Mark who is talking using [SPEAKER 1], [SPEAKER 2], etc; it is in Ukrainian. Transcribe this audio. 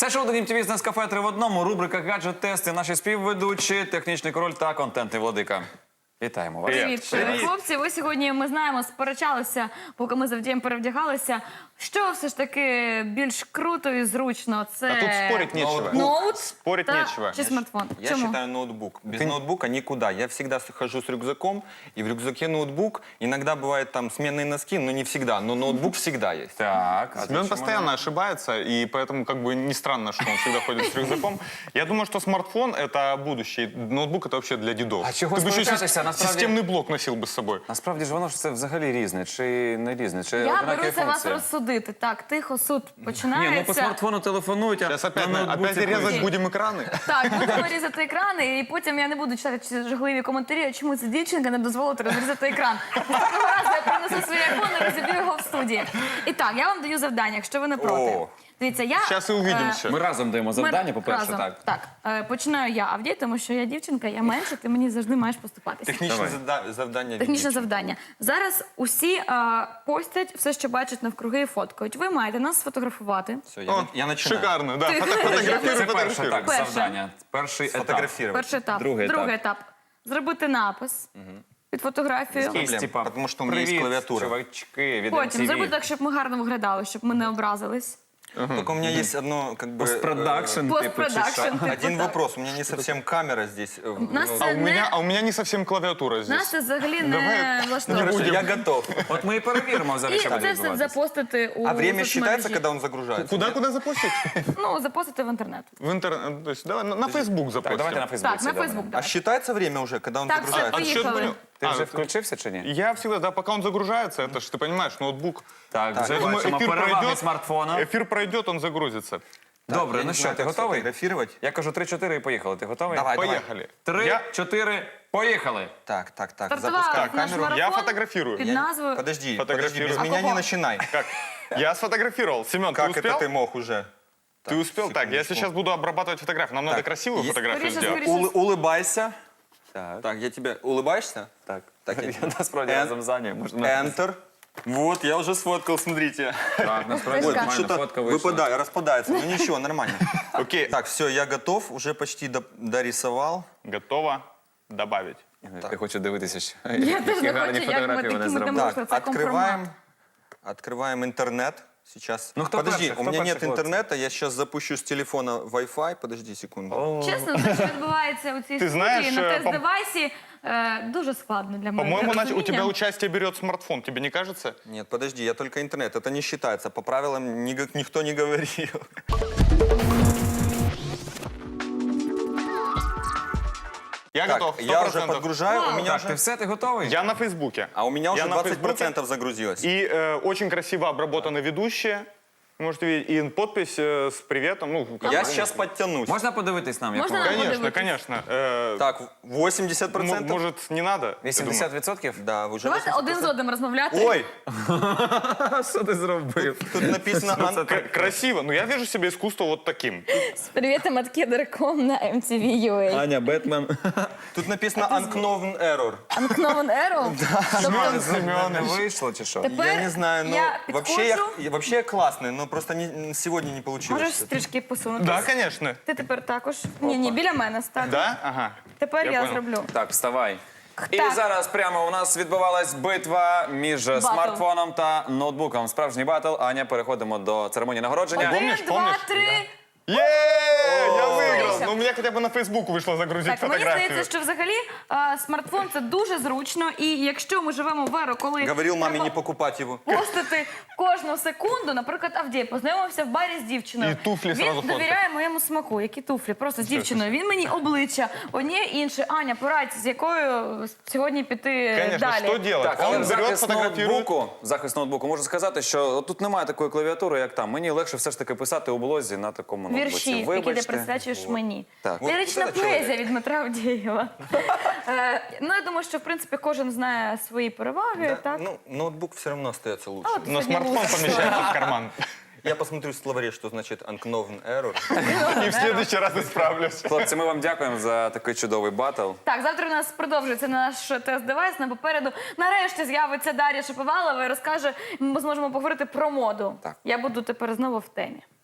[SPEAKER 1] Це шоу «Дім ТВ» з Нескафе 3 в одному. Рубрика «Гаджет-тести», наші співведучі, технічний король та контентний владика. Вітаємо вас.
[SPEAKER 2] Привіт, хлопці. Ви сьогодні, ми знаємо, сперечалися, поки ми з Авдієм перевдягалися. Що все ж таки більш круто і зручно? Це
[SPEAKER 3] А тут спорить нечего.
[SPEAKER 2] ноут
[SPEAKER 3] Спорить
[SPEAKER 2] та
[SPEAKER 3] нечего.
[SPEAKER 2] чи смартфон?
[SPEAKER 4] Я
[SPEAKER 2] Чому?
[SPEAKER 4] считаю ноутбук. Без ноутбука никуда. Я всегда хожу с рюкзаком, и в рюкзаке ноутбук. Иногда бывают там сменные носки, но не всегда. Но ноутбук всегда есть.
[SPEAKER 1] Так, а
[SPEAKER 3] Семен постоянно ошибается, и поэтому как бы не странно, что он всегда ходит с рюкзаком. Я думаю, что смартфон — это будущее, ноутбук — это вообще для дедов.
[SPEAKER 1] А чего
[SPEAKER 3] Ты бы еще
[SPEAKER 1] сперечатися? Насправді-
[SPEAKER 3] системный блок носил бы с собой.
[SPEAKER 1] Насправді ж воно ж це взагалі різне, чи не різне, чи
[SPEAKER 2] Я
[SPEAKER 1] однакові
[SPEAKER 2] беруся вас
[SPEAKER 1] функції?
[SPEAKER 2] розсудити. Так, тихо, суд
[SPEAKER 1] Ні,
[SPEAKER 2] починається.
[SPEAKER 1] ну по смартфону телефонують, а
[SPEAKER 3] Сейчас опять,
[SPEAKER 1] на ноутбуці
[SPEAKER 3] опять резать
[SPEAKER 1] пишуть.
[SPEAKER 3] будем экраны.
[SPEAKER 2] Так, будемо різати екрани, і потім я не буду читати ці жахливі коментарі, а чому ця дівчинка не дозволила розрізати екран. Наступного разу я принесу свій айфон і розіб'ю його в студії. І так, я вам даю завдання, якщо ви не проти.
[SPEAKER 4] О.
[SPEAKER 2] Дивіться, я...
[SPEAKER 3] Сейчас и увидимся.
[SPEAKER 1] Ми разом даємо завдання,
[SPEAKER 2] Ми
[SPEAKER 1] по-перше,
[SPEAKER 2] разом.
[SPEAKER 1] так.
[SPEAKER 2] Так, починаю я, Авдій, тому що я дівчинка, я менше, ти мені завжди маєш поступатися.
[SPEAKER 4] Техничное завдание.
[SPEAKER 2] Технічне завдання. Зараз усі постять все, що бачать навкруги і фоткають. Ви маєте нас сфотографувати.
[SPEAKER 4] Все,
[SPEAKER 3] О,
[SPEAKER 4] я начинаю.
[SPEAKER 3] шикарно, да.
[SPEAKER 2] Ти-
[SPEAKER 3] Фотографируй,
[SPEAKER 1] Це перше,
[SPEAKER 3] фотографируй.
[SPEAKER 1] так,
[SPEAKER 2] Перше.
[SPEAKER 1] завдання. Перший етап.
[SPEAKER 4] Сфотографировать.
[SPEAKER 2] Перший етап.
[SPEAKER 1] Другий етап.
[SPEAKER 2] Зробити напис під фотографію.
[SPEAKER 4] Проблем,
[SPEAKER 1] Типа,
[SPEAKER 4] потому что у меня есть
[SPEAKER 1] «Привіт,
[SPEAKER 4] клавиатура».
[SPEAKER 1] чувачки, від
[SPEAKER 2] Потім
[SPEAKER 1] MTV.
[SPEAKER 2] зробити так, щоб ми гарно виглядали, щоб ми не образились.
[SPEAKER 4] Только у меня есть одно, как бы...
[SPEAKER 1] Постпродакшн, типу, чи
[SPEAKER 2] Постпродакшн.
[SPEAKER 1] що?
[SPEAKER 2] типу,
[SPEAKER 4] Один
[SPEAKER 2] так.
[SPEAKER 4] вопрос. У меня не совсем камера здесь.
[SPEAKER 2] Нас
[SPEAKER 4] Ну,
[SPEAKER 2] це
[SPEAKER 3] А у меня не совсем клавиатура
[SPEAKER 2] Нас
[SPEAKER 3] здесь.
[SPEAKER 2] це взагалі не
[SPEAKER 4] Хорошо,
[SPEAKER 2] влаштовує.
[SPEAKER 4] я готов.
[SPEAKER 1] От ми і перевіримо
[SPEAKER 2] І
[SPEAKER 1] взагалі, що буде
[SPEAKER 2] це все
[SPEAKER 1] відбуватися.
[SPEAKER 2] запостити у
[SPEAKER 4] А время
[SPEAKER 2] соцмережі.
[SPEAKER 4] считается, когда он загружается?
[SPEAKER 3] Куда запустить?
[SPEAKER 2] Ну, запостити в інтернет.
[SPEAKER 3] В интернет. То есть давай на Facebook
[SPEAKER 1] Так,
[SPEAKER 3] запустим.
[SPEAKER 1] давайте на Фейсбуці.
[SPEAKER 2] Так, на
[SPEAKER 1] добре.
[SPEAKER 2] Фейсбук.
[SPEAKER 4] А считается время уже, когда он
[SPEAKER 2] Так, все,
[SPEAKER 4] загружается?
[SPEAKER 3] Отсчет
[SPEAKER 2] поїхали.
[SPEAKER 3] будем?
[SPEAKER 1] Ти вже
[SPEAKER 3] А,
[SPEAKER 1] включився чи ні?
[SPEAKER 3] Я всегда, да, пока он загружается, это ж, ты понимаешь, ноутбук.
[SPEAKER 1] Так,
[SPEAKER 4] Так,
[SPEAKER 1] вже
[SPEAKER 4] я
[SPEAKER 3] думаю,
[SPEAKER 1] бачимо
[SPEAKER 3] ефір
[SPEAKER 1] переваги
[SPEAKER 3] пройде.
[SPEAKER 1] смартфона.
[SPEAKER 3] Эфир пройдет, он загрузится.
[SPEAKER 1] Добре,
[SPEAKER 4] Я
[SPEAKER 1] ну
[SPEAKER 4] не
[SPEAKER 1] що,
[SPEAKER 4] знаю,
[SPEAKER 1] ти
[SPEAKER 4] как
[SPEAKER 1] готовий?
[SPEAKER 4] сфотографировать.
[SPEAKER 1] Я кажу 3-4 і поїхали. Ти готовий?
[SPEAKER 4] Давай, давай.
[SPEAKER 3] Поехали.
[SPEAKER 1] 3-4, поїхали.
[SPEAKER 4] Так.
[SPEAKER 2] Стартував
[SPEAKER 4] Запускай
[SPEAKER 2] наш
[SPEAKER 4] камеру.
[SPEAKER 2] марафон
[SPEAKER 3] Я фотографирую.
[SPEAKER 2] під
[SPEAKER 4] Я-
[SPEAKER 2] назвою...
[SPEAKER 4] Подожди,
[SPEAKER 3] Фотографирую.
[SPEAKER 4] без
[SPEAKER 3] А
[SPEAKER 4] меня
[SPEAKER 2] кого?
[SPEAKER 4] не начинай.
[SPEAKER 3] Как? Я сфотографировал. Семен, ты
[SPEAKER 4] Как
[SPEAKER 3] успел?
[SPEAKER 4] это ты мог уже?
[SPEAKER 3] Ты успел? Так, я
[SPEAKER 4] секундочку.
[SPEAKER 3] сейчас буду обрабатывать фотографию. Нам надо
[SPEAKER 4] Так,
[SPEAKER 3] красивую
[SPEAKER 4] есть-
[SPEAKER 3] фотографию
[SPEAKER 2] Скорее,
[SPEAKER 3] сделать.
[SPEAKER 2] скорее.
[SPEAKER 4] Улыбайся.
[SPEAKER 1] Так,
[SPEAKER 4] Так, я тебе... Улыбаешься?
[SPEAKER 1] так.
[SPEAKER 4] Так,
[SPEAKER 1] Я
[SPEAKER 4] я-
[SPEAKER 1] насправді
[SPEAKER 4] Ен-
[SPEAKER 1] разом за ним. Можна...
[SPEAKER 4] Enter. Вот, я уже сфоткал, смотрите.
[SPEAKER 1] Так, насправді
[SPEAKER 2] Ой,
[SPEAKER 1] нормально,
[SPEAKER 4] Что-то
[SPEAKER 1] фотка вийшла.
[SPEAKER 4] выпадает, распадается. Ну ничего, нормально.
[SPEAKER 3] Окей.
[SPEAKER 4] Так, все, я готов. Уже почти дорисовал.
[SPEAKER 3] Готово добавить.
[SPEAKER 1] Я хочу дивитися, що
[SPEAKER 2] Я
[SPEAKER 1] які
[SPEAKER 2] теж не
[SPEAKER 1] гарні
[SPEAKER 2] хочу, як ми
[SPEAKER 1] фотографії вони
[SPEAKER 2] такими
[SPEAKER 1] зробили.
[SPEAKER 2] дамо.
[SPEAKER 4] Так,
[SPEAKER 2] это
[SPEAKER 4] открываем. Открываем интернет. Сейчас.
[SPEAKER 1] Ну, кто
[SPEAKER 4] Подожди,
[SPEAKER 1] перший?
[SPEAKER 4] у
[SPEAKER 1] Кто
[SPEAKER 4] меня
[SPEAKER 1] перший,
[SPEAKER 4] нет
[SPEAKER 1] хлопцы?
[SPEAKER 4] интернета. Я сейчас запущу с телефона Wi-Fi. Подожди секунду.
[SPEAKER 2] Чесно, те, що відбувається у цій
[SPEAKER 3] Ти знаєш,
[SPEAKER 2] студії на
[SPEAKER 3] пом-
[SPEAKER 2] тест-девайсі, дуже складно для мене.
[SPEAKER 3] По-моему,
[SPEAKER 2] для
[SPEAKER 3] у тебя
[SPEAKER 2] розуміння.
[SPEAKER 3] участие берет смартфон, тебе не кажется?
[SPEAKER 4] Нет, подожди, я только интернет. Это не считается. По правилам никто не говорил.
[SPEAKER 3] Я
[SPEAKER 4] Так,
[SPEAKER 3] готов,
[SPEAKER 4] я уже
[SPEAKER 3] 100%.
[SPEAKER 4] подгружаю. У меня
[SPEAKER 1] Так, ти
[SPEAKER 4] уже...
[SPEAKER 1] все, ти готовий?
[SPEAKER 3] Я на Фейсбуке.
[SPEAKER 4] А у меня уже
[SPEAKER 3] Я на Фейсбуке.
[SPEAKER 4] 20% загрузилось.
[SPEAKER 3] И очень красиво обработаны ведущие. Можете видеть, и подпись с приветом. Ну, как
[SPEAKER 4] Я
[SPEAKER 3] бы,
[SPEAKER 4] сейчас подтянусь.
[SPEAKER 1] Можна подивитись нам? як
[SPEAKER 2] Можна
[SPEAKER 1] воно?
[SPEAKER 2] нам?
[SPEAKER 3] Конечно,
[SPEAKER 2] подивитесь.
[SPEAKER 3] конечно.
[SPEAKER 4] Так, 80%?
[SPEAKER 3] Может, не надо? ты думаешь?
[SPEAKER 1] 80%?
[SPEAKER 4] Да, уже
[SPEAKER 2] Давайте
[SPEAKER 4] 80%.
[SPEAKER 2] один з одним розмовляти.
[SPEAKER 4] Ой,
[SPEAKER 1] Що ти зробив?
[SPEAKER 4] тут написано...
[SPEAKER 3] Красиво. Ну, я вижу себе искусство вот таким.
[SPEAKER 2] З привітом від Кедр.com на MTV.ua.
[SPEAKER 1] Аня, Бетмен.
[SPEAKER 4] Тут написано unknown error.
[SPEAKER 2] Unknown Error? Тобто,
[SPEAKER 1] Не вийшло чи що?
[SPEAKER 2] Тепер
[SPEAKER 4] Я не знаю, но
[SPEAKER 2] я
[SPEAKER 4] вообще
[SPEAKER 2] підходжу.
[SPEAKER 4] вообще я классный, но просто сегодня не получилось.
[SPEAKER 2] Можеш трішки посунути?
[SPEAKER 3] Да, конечно.
[SPEAKER 2] Ти тепер також. Ні, біля мене стати.
[SPEAKER 3] Да? Ага.
[SPEAKER 2] Тепер я
[SPEAKER 3] понял.
[SPEAKER 2] зроблю.
[SPEAKER 1] Так, вставай. І
[SPEAKER 2] Так.
[SPEAKER 1] зараз прямо у нас відбувалась битва між смартфоном та ноутбуком. Справжній батл. Аня, переходимо до церемонії нагородження.
[SPEAKER 3] Помнишь,
[SPEAKER 2] Один, два,
[SPEAKER 3] помнишь?
[SPEAKER 2] три.
[SPEAKER 3] Я выиграл!
[SPEAKER 2] Дивися.
[SPEAKER 3] Ну, у меня хотя бы на Фейсбук вышло загрузить
[SPEAKER 2] Так, мені
[SPEAKER 3] фотографию.
[SPEAKER 2] здається, що взагалі смартфон це дуже зручно. І якщо ми живемо в еру, коли
[SPEAKER 4] Говорил маме
[SPEAKER 2] треба
[SPEAKER 4] не покупать его.
[SPEAKER 2] постити кожну секунду, наприклад, Авдій познайомився в барі з дівчиною.
[SPEAKER 3] І туфлі зразу
[SPEAKER 2] Він
[SPEAKER 3] фоткає.
[SPEAKER 2] довіряє моєму смаку. Які туфлі? Просто з дівчиною. Він мені обличчя, одніє інше. Аня, порадь, з якою сьогодні піти
[SPEAKER 3] Конечно,
[SPEAKER 2] далі.
[SPEAKER 3] что делать?
[SPEAKER 1] Так, але
[SPEAKER 3] Он
[SPEAKER 1] в
[SPEAKER 3] берет,
[SPEAKER 1] захист
[SPEAKER 3] фотографирует.
[SPEAKER 1] ноутбуку можу сказати, що тут немає такої клавіатури, як там. Мені легше все ж таки писати у блозі на такому ноутбуці.
[SPEAKER 2] Вірші, які ти
[SPEAKER 1] Вибачте.
[SPEAKER 2] присвячуєш мені.
[SPEAKER 1] Так.
[SPEAKER 2] Лірична
[SPEAKER 4] Вот это
[SPEAKER 2] поезія
[SPEAKER 4] чоловік.
[SPEAKER 2] від Дмитра Авдієва. Ну, я думаю, що, в принципі, кожен знає свої переваги, так?
[SPEAKER 4] Ну, ноутбук все равно остается лучше.
[SPEAKER 2] А от
[SPEAKER 3] Но
[SPEAKER 2] сьогодні
[SPEAKER 3] смартфон
[SPEAKER 2] лучше.
[SPEAKER 3] помещается в карман.
[SPEAKER 4] Я посмотрю в словаре, что значит unknown error.
[SPEAKER 3] И в следующий раз исправлюсь.
[SPEAKER 1] Хлопці, ми вам дякуємо за такий чудовий батл.
[SPEAKER 2] Так, завтра у нас продовжується наш тест-девайс. На попереду нарешті з'явиться Дар'я Шаповалова і розкаже, ми зможемо поговорити про моду.
[SPEAKER 1] Так.
[SPEAKER 2] Я буду тепер знову в темі.